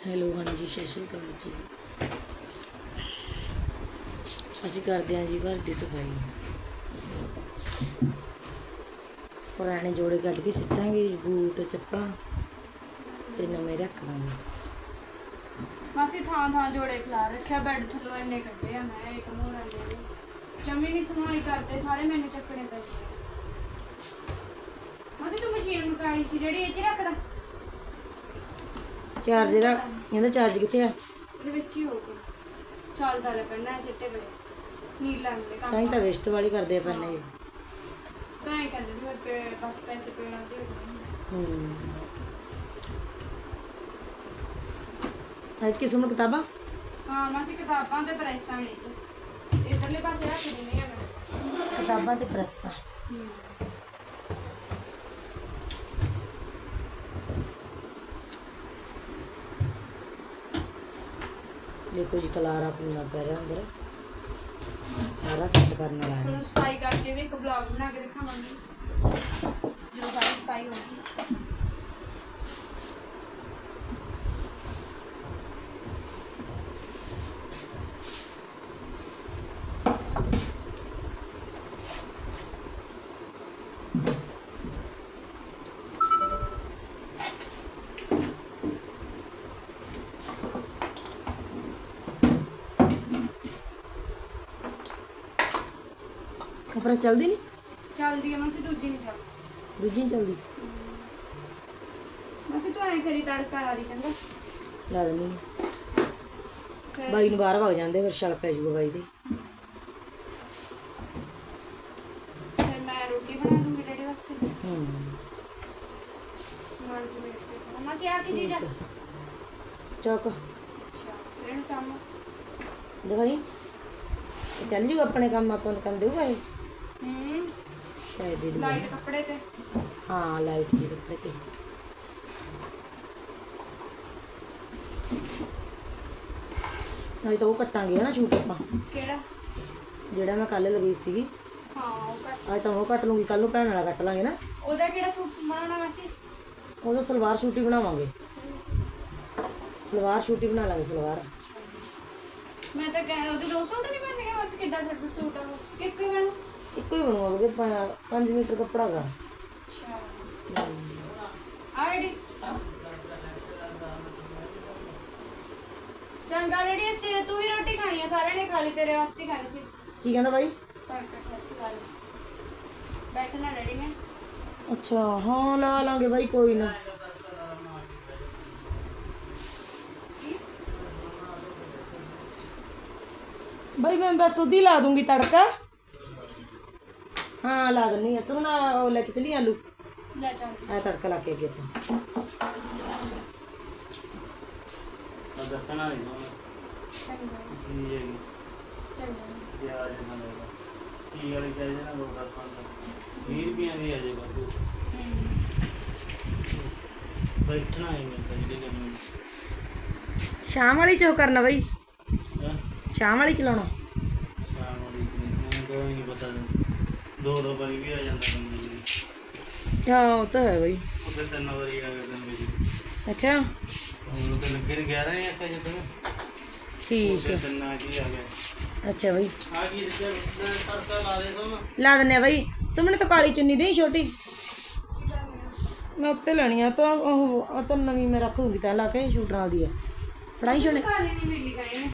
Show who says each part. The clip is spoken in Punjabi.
Speaker 1: ਹੈਲੋ ਹਾਂਜੀ ਸਤਿ ਸ਼੍ਰੀ ਅਕਾਲ ਜੀ। ਅਸੀਂ ਕਰਦੇ ਹਾਂ ਜੀ ਘਰ ਦੀ ਸਫਾਈ। ਪੁਰਾਣੇ ਜੋੜੇ ਕੱਢ ਕੇ ਸਿੱਟਾਂਗੇ, ਬੂਟ ਚੱਪਲਾਂ ਤੇ ਨਵੇਂ ਰੱਖ ਦਾਂਗੇ।
Speaker 2: ਮਾਸੀ ਥਾਂ ਥਾਂ ਜੋੜੇ ਖਿਲਾ ਰੱਖਿਆ, ਬੈੱਡ ਥੱਲੋਂ ਇੰਨੇ ਕੱਢੇ ਆ ਮੈਂ ਇੱਕ ਮੋਹਰਾਂ ਦੇ ਜਮੀ ਨਹੀਂ ਸਮਾਈ ਕਰਦੇ, ਸਾਰੇ ਮੈਨੂੰ ਚੱਕਣੇ ਪੈਂਦੇ ਆ। ਮਾਸੀ ਤੂੰ ਮਸ਼ੀਨ ਮੁਕਾਈ ਸੀ ਜਿਹੜੀ ਇਹ 'ਚ ਰੱਖਦਾ
Speaker 1: ਚਾਰਜਰ ਇਹਦਾ ਚਾਰਜ ਕਿੱਥੇ ਆ?
Speaker 2: ਇਹਦੇ ਵਿੱਚ ਹੀ ਹੋਊਗਾ, ਚੱਲਦਾ ਲੈ ਪੈਣਾ ਸਿੱਟੇ ਬੜੇ ਨੀਲਾ ਮਿਲੇ
Speaker 1: ਤਾਂ ਹੀ ਤਾਂ ਵੇਸਟ ਵਾਲੀ ਕਰਦੇ ਆ ਪੈਨੇ ਜੀ।
Speaker 2: ਤਾਂ ਹੀ ਕਹਿੰਦੇ ਵੀ ਤੇ ਬਸ ਪੈਸੇ ਪੇਣਾ ਤੇ
Speaker 1: ਅੱਜ ਕੀ ਸੁਣ ਕਿਤਾਬਾਂ?
Speaker 2: ਹਾਂ ਮਾਸੀ ਕਿਤਾਬਾਂ ਤੇ ਪ੍ਰੈਸਾਂ ਨੇ ਇਧਰਲੇ ਪਾਸੇ ਰੱਖ ਦਿੰਦੇ ਆ ਮੈਂ
Speaker 1: ਕਿਤਾਬਾਂ ਤੇ ਪ੍ਰੈਸਾਂ। देखो जी कलारा पूरा पै रहा अंदर, सारा सेट करने वाला है।
Speaker 2: सफाई करके भी एक ब्लॉग बना के दिखावांगी जो सारी सफाई होगी।
Speaker 1: प्रेस चलती नहीं?
Speaker 2: चलती है मासी, दूजी नहीं चलती।
Speaker 1: दूजी नहीं चलती
Speaker 2: मासी तू ऐ करी तड़का ला दी चंगा
Speaker 1: ला देनी बाई नूं बाहर भग जाते फिर छल पै जूगा बाई दे।
Speaker 2: फिर मैं रोटी बना दूंगी डैडी वास्ते। मासी आ की चीज है
Speaker 1: चौक
Speaker 2: अच्छा रेण चामो
Speaker 1: दिखाई चल जूगा अपने काम अपन कर देगा ये शायद ही
Speaker 2: लाइट कपड़े ते
Speaker 1: हाँ लाइट जी कपड़े ते नहीं तो वो कटांगे ना शूट ਆਪਾਂ
Speaker 2: ਕਿਹੜਾ
Speaker 1: ਜਿਹੜਾ ਮੈਂ ਕੱਲ ਲਗਾਈ ਸੀਗੀ।
Speaker 2: ਹਾਂ ਉਹ ਕੱਟ
Speaker 1: ਅੱਜ ਤਾਂ ਉਹ ਕੱਟ ਲੂੰਗੀ, ਕੱਲ ਨੂੰ ਭੈਣ ਵਾਲਾ ਕੱਟ ਲਾਂਗੇ ਨਾ।
Speaker 2: ਉਹਦਾ ਕਿਹੜਾ ਸੂਟ ਬਣਾਉਣਾ ਵੈਸੇ?
Speaker 1: ਉਹਦਾ ਸਲਵਾਰ ਸੂਟ ਹੀ ਬਣਾਵਾਂਗੇ, ਸਲਵਾਰ ਸੂਟ ਹੀ ਬਣਾ ਲਾਂਗੇ ਸਲਵਾਰ।
Speaker 2: ਮੈਂ ਤਾਂ ਉਹਦੇ ਦੋ ਸੂਟ ਨਹੀਂ ਬਣਨਗੇ ਬਸ, ਕਿੱਡਾ ਛੱਡ ਸੂਟ ਆ ਉਹ ਇੱਕ ਹੀ ਬਣੂ?
Speaker 1: ਇੱਕੋ ਹੀ ਬਣਵਾਓਗੇ, 5 ਮੀਟਰ ਕੱਪੜਾ ਗਾ।
Speaker 2: ਅੱਛਾ ਆਈਡੀ ਚੰਗਾ ਰੈਡੀ ਤੇ ਤੂੰ ਵੀ ਰੋਟੀ ਖਾਣੀ ਆ, ਸਾਰਿਆਂ ਨੇ ਖਾ ਲਈ, ਤੇਰੇ ਵਾਸਤੇ ਹੀ ਖਾਣੀ ਸੀ।
Speaker 1: ਕੀ ਕਹਿੰਦਾ ਬਾਈ?
Speaker 2: ਬੈਠਣਾ ਰੈਡੀ ਮੈਂ।
Speaker 1: ਅੱਛਾ ਹਾਂ ਲਾ ਲਾਂਗੇ ਬਾਈ, ਕੋਈ ਨਾ। भाई मैं बस उदी ला दूंगी तड़का। हाँ ला देनी है सुना, वो लेके चली आलू
Speaker 2: ले जाऊंगी
Speaker 1: आ तड़का ला के अगे
Speaker 3: दसना नहीं प्याज ना लेगा की वाली चाहिए ना 20 रुपये की आ जाएगा बैठना है मैं
Speaker 1: शाम वाली चो करना भाई, शाम वाली चलाना
Speaker 3: शाम वाली तो नहीं पता 2 बारी भी आ जाता बंदी।
Speaker 1: हाँ वो तो है भाई।
Speaker 3: फिर 3 बारी आ गया बिजली।
Speaker 1: अच्छा
Speaker 3: हम तो लगे 11 या क्या जब
Speaker 1: ठीक है।
Speaker 3: 3 आज ही आ गया।
Speaker 1: अच्छा भाई
Speaker 3: आ गई तड़का ला दे दो ना,
Speaker 1: ला देने भाई। सुमने तो काली चुन्नी दी छोटी मैं उत्ते लेनी है, तो नवी मैं रख दूंगी तै ला के शूट नाल दी है। फड़ाई छोड़े
Speaker 2: काली नहीं मिली गई